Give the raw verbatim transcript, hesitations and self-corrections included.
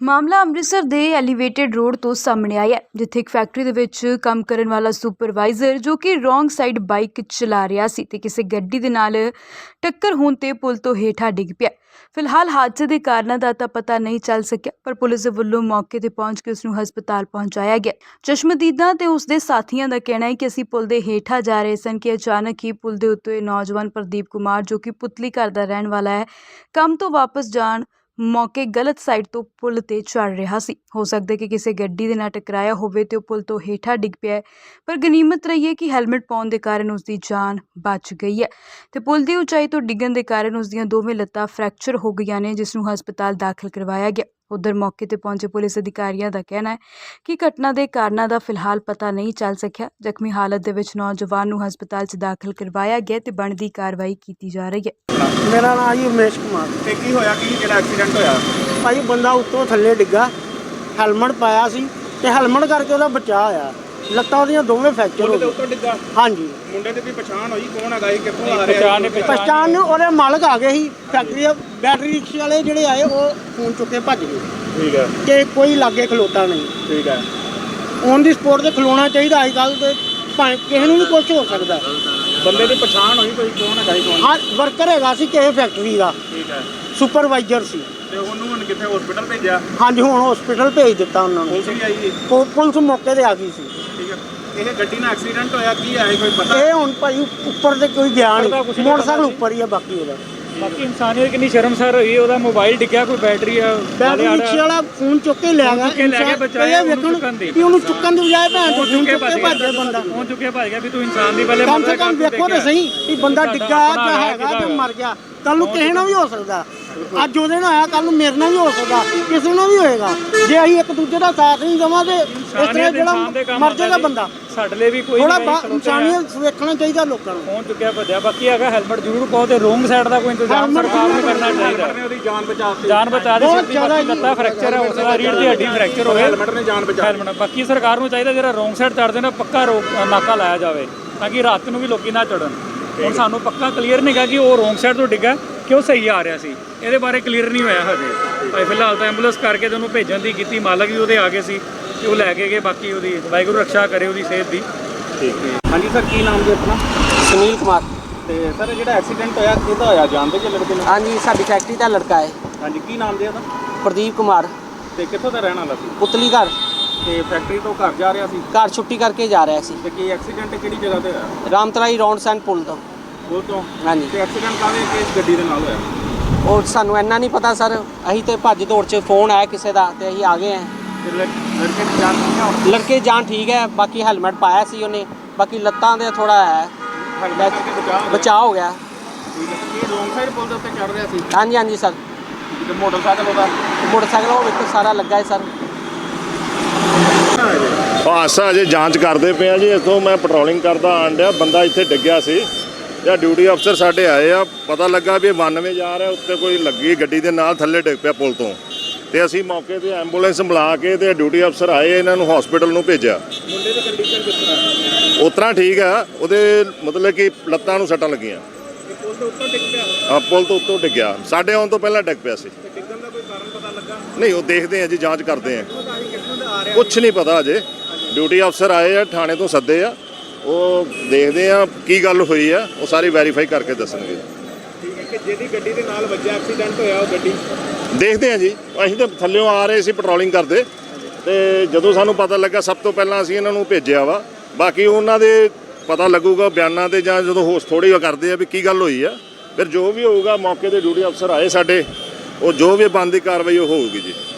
ਮਾਮਲਾ ਅੰਮ੍ਰਿਤਸਰ ਦੇ elevated road ਤੋਂ ਸਾਹਮਣੇ ਆਇਆ, ਜਿੱਥੇ ਇੱਕ ਫੈਕਟਰੀ ਦੇ ਵਿੱਚ ਕੰਮ ਕਰਨ ਵਾਲਾ ਸੁਪਰਵਾਈਜ਼ਰ ਜੋ ਕਿ ਰੋਂਗ ਸਾਈਡ ਬਾਈਕ ਚਲਾ ਰਿਹਾ ਸੀ ਤੇ ਕਿਸੇ ਗੱਡੀ ਦੇ ਨਾਲ ਟੱਕਰ ਹੋਣ ਤੇ ਪੁਲ ਤੋਂ ਹੇਠਾਂ ਡਿੱਗ ਪਿਆ। ਫਿਲਹਾਲ ਹਾਦਸੇ ਦੇ ਕਾਰਨਾਂ ਦਾ ਤਾਂ ਪਤਾ ਨਹੀਂ ਚੱਲ ਸਕਿਆ, ਪਰ ਪੁਲਿਸ ਦੇ ਵੱਲੋਂ ਮੌਕੇ ਤੇ ਪਹੁੰਚ ਕੇ ਉਸ ਨੂੰ ਹਸਪਤਾਲ ਪਹੁੰਚਾਇਆ ਗਿਆ। ਚਸ਼ਮਦੀਦਾਂ ਤੇ ਉਸ ਦੇ ਸਾਥੀਆਂ ਦਾ ਕਹਿਣਾ ਹੈ ਕਿ ਅਸੀਂ ਪੁਲ ਦੇ ਹੇਠਾਂ ਜਾ ਰਹੇ ਸਨ ਕਿ ਅਚਾਨਕ ਹੀ ਪੁਲ ਦੇ ਉੱਤੇ ਨੌਜਵਾਨ ਪ੍ਰਦੀਪ ਕੁਮਾਰ ਜੋ ਕਿ ਪੁਤਲੀ ਘਰ ਦਾ ਰਹਿਣ ਵਾਲਾ ਹੈ, ਕੰਮ ਤੋਂ ਵਾਪਸ ਜਾਣ ਮੌਕੇ ਗਲਤ ਸਾਈਡ ਤੋਂ ਪੁਲ ਤੇ ਚੜ ਰਿਹਾ ਸੀ। ਹੋ ਸਕਦਾ ਕਿ ਕਿਸੇ ਗੱਡੀ ਦੇ ਨਾਲ ਟਕਰਾਇਆ ਹੋਵੇ ਤੇ ਉਹ ਪੁਲ ਤੋਂ ਹੇਠਾਂ ਡਿੱਗ ਪਿਆ, ਪਰ ਗਨੀਮਤ ਰਹੀ ਹੈ ਕਿ ਹੈਲਮਟ ਪਾਉਣ ਦੇ ਕਾਰਨ ਉਸ ਦੀ ਜਾਨ ਬਚ ਗਈ ਹੈ ਤੇ ਪੁਲ ਦੀ ਉਚਾਈ ਤੋਂ ਡਿੱਗਣ ਦੇ ਕਾਰਨ ਉਸ ਦੀਆਂ ਦੋਵੇਂ ਲੱਤਾਂ ਫ੍ਰੈਕਚਰ ਹੋ ਗਈਆਂ ਨੇ, ਜਿਸ ਨੂੰ ਹਸਪਤਾਲ ਦਾਖਲ ਕਰਵਾਇਆ ਗਿਆ। ਉਧਰ ਮੌਕੇ ਤੇ ਪਹੁੰਚੇ ਪੁਲਿਸ ਅਧਿਕਾਰੀਆਂ ਦਾ ਕਹਿਣਾ ਹੈ ਕਿ ਘਟਨਾ ਦੇ ਕਾਰਨਾਂ ਦਾ ਫਿਲਹਾਲ ਪਤਾ ਨਹੀਂ ਚੱਲ ਸਕਿਆ। ਜ਼ਖਮੀ ਹਾਲਤ ਦੇ ਵਿੱਚ ਨੌਜਵਾਨ ਨੂੰ ਹਸਪਤਾਲ 'ਚ ਦਾਖਲ ਕਰਵਾਇਆ ਗਿਆ ਤੇ ਬਣਦੀ ਕਾਰਵਾਈ ਕੀਤੀ ਜਾ ਰਹੀ ਹੈ। ਮੇਰਾ ਨਾਮ ਜੀ ਉਮੇਸ਼ ਕੁਮਾਰ। ਤੇ ਕੀ ਹੋਇਆ ਕਿ ਜਿਹੜਾ ਐਕਸੀਡੈਂਟ ਹੋਇਆ? ਭਾਈ ਬੰਦਾ ਉੱਤੋਂ ਥੱਲੇ ਡਿੱਗਾ, ਹੈਲਮਟ ਪਾਇਆ ਸੀ ਤੇ ਹੈਲਮਟ ਕਰਕੇ ਉਹਦਾ ਬਚਾਅ ਹੋਇਆ। ਲੱਤਾਂ ਉਹਦੀਆਂ ਦੋਵੇਂ ਫ੍ਰੈਕਚਰ ਹੋ ਗਏ। ਉੱਤੋਂ ਡਿੱਗਾ? ਹਾਂਜੀ। ਮੁੰਡੇ ਦੀ ਵੀ ਪਛਾਣ ਹੋਈ ਕੌਣ ਹੈਗਾ ਸੀ, ਕਿੱਥੋਂ ਆ ਰਿਹਾ ਸੀ? ਪਛਾਣ ਨੂੰ ਉਹਦੇ ਮਾਲਕ ਆ ਗਏ ਸੀ, ਫੈਕਟਰੀ ਦੇ ਬੈਟਰੀ ਰਿਕਸ਼ੇ ਵਾਲੇ ਜਿਹੜੇ ਆਏ ਉਹ ਫੋਨ ਚੁੱਕ ਕੇ ਭੱਜ ਗਏ। ਠੀਕ ਹੈ। ਤੇ ਕੋਈ ਲਾਗੇ ਖਲੋਤਾ ਨਹੀਂ। ਠੀਕ ਹੈ। ਔਨ ਦੀ ਸਪੋਰਟ ਤੇ ਖਲੋਣਾ ਚਾਹੀਦਾ। ਅੱਜ ਕੱਲ੍ਹ ਤੇ ਭਾਵੇਂ ਕਿਸੇ ਨੂੰ ਵੀ ਕੁਝ ਹੋ ਸਕਦਾ। ਬੰਦੇ ਦੀ ਪਛਾਣ ਹੋਈ ਕੋਈ ਕੌਣ ਹੈਗਾ ਸੀ? ਕੌਣ? ਹਾਂ, ਵਰਕਰ ਹੈਗਾ ਸੀ ਕਿਸੇ ਫੈਕਟਰੀ ਦਾ। ਠੀਕ ਹੈ। ਸੁਪਰਵਾਈਜ਼ਰ ਸੀ। ਤੇ ਉਹਨੂੰ ਹੁਣ ਕਿੱਥੇ ਹਸਪੀਟਲ ਭੇਜਿਆ? ਹਾਂਜੀ, ਹੁਣ ਹਸਪੀਟਲ ਭੇਜ ਦਿੱਤਾ ਉਹਨਾਂ ਨੂੰ। ਪੁਲਿਸ ਵੀ ਆਈ ਜੀ? ਪੁਲਿਸ ਮੌਕੇ ਤੇ ਆ ਗਈ ਸੀ। ਠੀਕ ਹੈ। ਇਹ ਗੱਡੀ ਨਾਲ ਐਕਸੀਡੈਂਟ ਹੋਇਆ ਕੀ ਹੈ ਕੋਈ ਪਤਾ? ਇਹ ਹੁਣ ਭਾਈ ਉੱਪਰ ਤੇ ਕੋਈ ਗਿਆ ਨਹੀਂ, ਮੋਟਰਸਾਈਕਲ ਉੱਪਰ ਹੀ ਆ ਬਾਕੀ ਉਹਦਾ। ਬਾਕੀ ਇਨਸਾਨੀਅਤ ਕਿੰਨੀ ਸ਼ਰਮਸਾਰ ਹੋਈ, ਉਹਦਾ ਮੋਬਾਈਲ ਡਿੱਗਿਆ, ਕੋਈ ਬੈਟਰੀ ਆ ਬੈਟਰੀ ਰਿਕਸ਼ੇ ਵਾਲਾ ਫੋਨ ਚੁੱਕ ਕੇ ਲੈ ਗਿਆ। ਕੇ ਲੈ ਕੇ ਬਚਾਇਆ ਉਹਨੂੰ ਚੁੱਕਣ ਦੀ। ਵੀ ਉਹਨੂੰ ਚੁੱਕਣ ਦੀ ਬਜਾਏ ਭੈਣ ਤੋਂ ਫੋਨ ਚੁੱਕ ਕੇ ਭੱਜ ਗਿਆ ਬੰਦਾ। ਫੋਨ ਚੁੱਕਿਆ ਭੱਜ ਗਿਆ ਵੀ ਤੂੰ ਇਨਸਾਨ ਦੀ ਪਹਿਲੇ ਕਮ ਸੇ ਕਮ ਵੇਖੋ ਤੇ ਸਹੀ ਵੀ ਬੰਦਾ ਡਿੱਗਾ ਜਾਂ ਹੈਗਾ ਜਾਂ ਮਰ ਗਿਆ। ਕੱਲ ਨੂੰ ਕਿਸੇ ਨਾਲ ਵੀ ਹੋ ਸਕਦਾ। ਅੱਜ ਉਹਦੇ ਨਾਲ ਆਇਆ, ਕੱਲ ਨੂੰ ਮੇਰੇ ਨਾਲ ਵੀ ਹੋ ਸਕਦਾ, ਕਿਸੇ ਨਾਲ ਵੀ ਹੋਏਗਾ। ਜੇ ਅਸੀਂ ਇੱਕ ਦੂਜੇ ਦਾ ਸਾਥ ਨਹੀਂ ਦੇਵਾਂਗੇ ਇਸ ਤਰ੍ਹਾਂ ਜਿਹੜਾ ਮਰ ਜਾਏਗਾ ਬੰਦਾ। ਸਾਡੇ ਲਈ ਵੀ ਕੋਈ ਥੋੜਾ ਇਨਸਾਨੀਅਤ ਵੇਖਣਾ ਚਾਹੀਦਾ ਲੋਕਾਂ ਨੂੰ। ਫੋਨ ਚੁੱਕਿਆ ਭੱਜਿਆ। ਬਾਕੀ ਹੈਗਾ ਹੈਲਮਟ ਜ਼ਰੂਰ ਪਾਓ ਤੇ ਰੋਂਗ ਸਾਈਡ ਦਾ ਕੋਈ ਇੰਤਜ਼ਾਮ ਸਰਕਾਰ ਨੂੰ ਕਰਨਾ ਚਾਹੀਦਾ। ਉਹਦੀ ਜਾਨ ਬਚਾਤੀ। ਜਾਨ ਬਚਾ ਦਿੱਤੀ। ਲੱਤਾਂ ਫ੍ਰੈਕਚਰ ਹੈ, ਉਸ ਦਾ ਰੀੜ ਦੀ ਹੱਡੀ ਫ੍ਰੈਕਚਰ ਹੋਵੇ। ਹੈਲਮਟ ਨੇ ਜਾਨ ਬਚਾ। ਹੈਲਮਟ ਬਾਕੀ ਸਰਕਾਰ ਨੂੰ ਚਾਹੀਦਾ ਜਿਹੜਾ ਰੋਂਗ ਸਾਈਡ ਚੜਦੇ ਨੇ ਪੱਕਾ ਨਾਕਾ ਲਾਇਆ ਜਾਵੇ ਤਾਂ ਕਿ ਰਾਤ ਨੂੰ ਵੀ ਲੋਕੀ ਨਾ ਚੜਨ। ਹੁਣ ਸਾਨੂੰ ਪੱਕਾ ਕਲੀਅਰ ਨਹੀਂ ਗਾ ਕਿ ਉਹ ਰੋਂਗ ਸਾਈਡ ਤੋਂ ਡਿੱਗਾ ਕਿਉਂ ਸਹੀ ਆ ਰਿਹਾ ਸੀ, ਇਹਦੇ ਬਾਰੇ ਕਲੀਅਰ ਨਹੀਂ ਹੋਇਆ ਹਜੇ। ਭਾਈ ਫਿਲਹਾਲ ਤਾਂ ਐਂਬੂਲੈਂਸ ਕਰਕੇ ਤੇ ਉਹਨੂੰ ਭੇਜਣ ਦੀ ਕੀਤੀ, ਮਾਲਕ ਵੀ ਉਹਦੇ ਆ ਗਏ ਸੀ ਤੇ ਉਹ ਲੈ ਕੇ ਗਏ। ਬਾਕੀ ਉਹਦੀ ਵਾਹਿਗੁਰੂ ਰੱਖਿਆ ਕਰੇ ਉਹਦੀ ਸਿਹਤ ਦੀ। ਠੀਕ ਹੈ। ਹਾਂਜੀ ਸਰ, ਕੀ ਨਾਮ ਜੀ ਆਪਣਾ? ਸੁਨੀਲ ਕੁਮਾਰ। ਤੇ ਸਰ ਜਿਹੜਾ ਐਕਸੀਡੈਂਟ ਹੋਇਆ ਕਿਹਦਾ ਹੋਇਆ, ਜਾਣਦੇ ਕਿ ਲੜਕੇ ਨੂੰ? ਹਾਂਜੀ, ਸਾਡੀ ਫੈਕਟਰੀ ਦਾ ਲੜਕਾ ਹੈ। ਹਾਂਜੀ, ਕੀ ਨਾਮ ਜੀ ਉਹਦਾ? ਪ੍ਰਦੀਪ ਕੁਮਾਰ। ਤੇ ਕਿੱਥੋਂ ਦਾ ਰਹਿਣ ਵਾਲਾ ਸੀ? ਪੁਤਲੀ ਘਰ। ਤੇ ਫੈਕਟਰੀ ਤੋਂ ਘਰ ਜਾ ਰਿਹਾ ਸੀ? ਘਰ ਛੁੱਟੀ ਕਰਕੇ ਜਾ ਰਿਹਾ ਸੀ। ਤੇ ਕੀ ਐਕਸੀਡੈਂਟ ਕਿਹੜੀ ਜਗ੍ਹਾ ਤੇ ਹੋਇਆ? ਰਾਮਤਲਾਈ ਰੌਂਡ ਸੈਂਡ ਪੁਲ ਤੋਂ। ਪੁਲ ਤੋਂ? ਹਾਂਜੀ। ਤੇ ਐਕਸੀਡੈਂਟ ਕਾਹਦੇ ਕਿਸ ਗੱਡੀ ਦੇ ਨਾਲ ਹੋਇਆ? ਉਹ ਸਾਨੂੰ ਇੰਨਾ ਨਹੀਂ ਪਤਾ ਸਰ, ਅਸੀਂ ਤੇ ਭੱਜ ਦੌੜ 'ਚ ਫੋਨ ਆਇਆ ਕਿਸੇ ਦਾ ਤੇ ਅਸੀਂ ਆ ਗਏ ਹਾਂ। ਤੇ ਲੜਕੇ ਦੀ ਜਾਨ ਠੀਕ ਹੈ? ਲੜਕੇ ਜਾਨ ਠੀਕ ਹੈ, ਬਾਕੀ ਹੈਲਮਟ ਪਾਇਆ ਸੀ ਉਹਨੇ, ਬਾਕੀ ਲੱਤਾਂ ਦੇ ਥੋੜਾ ਹੈ ਬਚਾਅ ਹੋ ਗਿਆ। ਇਹ ਰੋਂਗ ਸਾਈਡ ਪੁਲ ਦੇ ਉੱਤੇ ਚੜ ਰਿਹਾ ਸੀ? ਹਾਂਜੀ ਹਾਂਜੀ ਸਰ। ਤੇ ਮੋਟਰਸਾਈਕਲ ਉਹਦਾ? ਮੋਟਰਸਾਈਕਲ ਉਹ ਵਿੱਚ ਸਾਰਾ ਲੱਗਾ ਹੈ ਸਰ। ਹਾਦਸਾ ਅਜੇ ਜਾਂਚ ਕਰਦੇ ਪਏ ਆ ਜੀ। ਇੱਥੋਂ ਮੈਂ ਪੈਟਰੋਲਿੰਗ ਕਰਦਾ ਆਣ ਡਿਆ, ਬੰਦਾ ਇੱਥੇ ਡਿੱਗਿਆ ਸੀ ਜਾਂ ਡਿਊਟੀ ਅਫਸਰ ਸਾਡੇ ਆਏ ਆ, ਪਤਾ ਲੱਗਾ ਵੀ ਬਾਨਵੇਂ ਜਾ ਰਿਹਾ, ਉੱਤੇ ਕੋਈ ਲੱਗੀ ਗੱਡੀ ਦੇ ਨਾਲ ਥੱਲੇ ਡਿੱਗ ਪਿਆ ਪੁਲ ਤੋਂ। ਤੇ ਅਸੀਂ ਮੌਕੇ ਤੇ ਐਂਬੂਲੈਂਸ ਬੁਲਾ ਕੇ ਤੇ ਡਿਊਟੀ ਅਫਸਰ ਆਏ, ਇਹਨਾਂ ਨੂੰ ਹਸਪੀਟਲ ਨੂੰ ਭੇਜਿਆ। ਮੁੰਡੇ ਦੀ ਕੰਡੀਸ਼ਨ ਕਿਸ ਤਰ੍ਹਾਂ? ਉਸ ਤਰ੍ਹਾਂ ਠੀਕ ਆ, ਉਹਦੇ ਮਤਲਬ ਕਿ ਲੱਤਾਂ ਨੂੰ ਸੱਟਾਂ ਲੱਗੀਆਂ। ਪੁਲ ਦੇ ਉੱਤੋਂ ਡਿੱਗ ਪਿਆ? ਹਾਂ, ਪੁਲ ਤੋਂ ਉੱਤੋਂ ਡਿੱਗਿਆ, ਸਾਡੇ ਆਉਣ ਤੋਂ ਪਹਿਲਾਂ ਡਿੱਗ ਪਿਆ ਸੀ। ਤੇ ਡਿੱਗਣ ਦਾ ਕੋਈ ਕਾਰਨ ਪਤਾ ਲੱਗਾ? ਨਹੀਂ, ਉਹ ਦੇਖਦੇ ਆ ਜੀ, ਜਾਂਚ ਕਰਦੇ ਆ, ਕਿੱਥੋਂ ਦਾ ਆ ਰਿਹਾ? ਕੁਛ ਨਹੀਂ ਪਤਾ ਅਜੇ। ਡਿਊਟੀ ਅਫਸਰ ਆਏ ਆ, ਥਾਣੇ ਤੋਂ ਸੱਦੇ ਆ, ਉਹ ਦੇਖਦੇ ਆ ਕੀ ਗੱਲ ਹੋਈ ਆ, ਉਹ ਸਾਰੀ ਵੈਰੀਫਾਈ ਕਰਕੇ ਦੱਸਣਗੇ। ਠੀਕ ਹੈ। ਕਿ ਜਿਹਦੀ ਗੱਡੀ ਦੇ ਨਾਲ ਵੱਜਿਆ ਐਕਸੀਡੈਂਟ ਹੋਇਆ ਉਹ ਗੱਡੀ ਦੇਖਦੇ ਆ ਜੀ। ਅਸੀਂ ਤਾਂ ਥੱਲਿਓਂ ਆ ਰਹੇ ਸੀ ਪੈਟਰੋਲਿੰਗ ਕਰਦੇ, ਤੇ ਜਦੋਂ ਸਾਨੂੰ ਪਤਾ ਲੱਗਾ ਸਭ ਤੋਂ ਪਹਿਲਾਂ ਅਸੀਂ ਇਹਨਾਂ ਨੂੰ ਭੇਜਿਆ ਵਾ। ਬਾਕੀ ਉਹਨਾਂ ਦੇ ਪਤਾ ਲੱਗੂਗਾ ਬਿਆਨਾਂ ਤੇ, ਜਾਂ ਜਦੋਂ ਹੋਸ ਥੋੜ੍ਹੀ ਕਰਦੇ ਆ ਵੀ ਕੀ ਗੱਲ ਹੋਈ ਆ, ਫਿਰ ਜੋ ਵੀ ਹੋਊਗਾ ਮੌਕੇ ਤੇ ਡਿਊਟੀ ਅਫਸਰ ਆਏ ਸਾਡੇ, ਉਹ ਜੋ ਵੀ ਬਣਦੀ ਕਾਰਵਾਈ ਉਹ ਹੋਊਗੀ ਜੀ।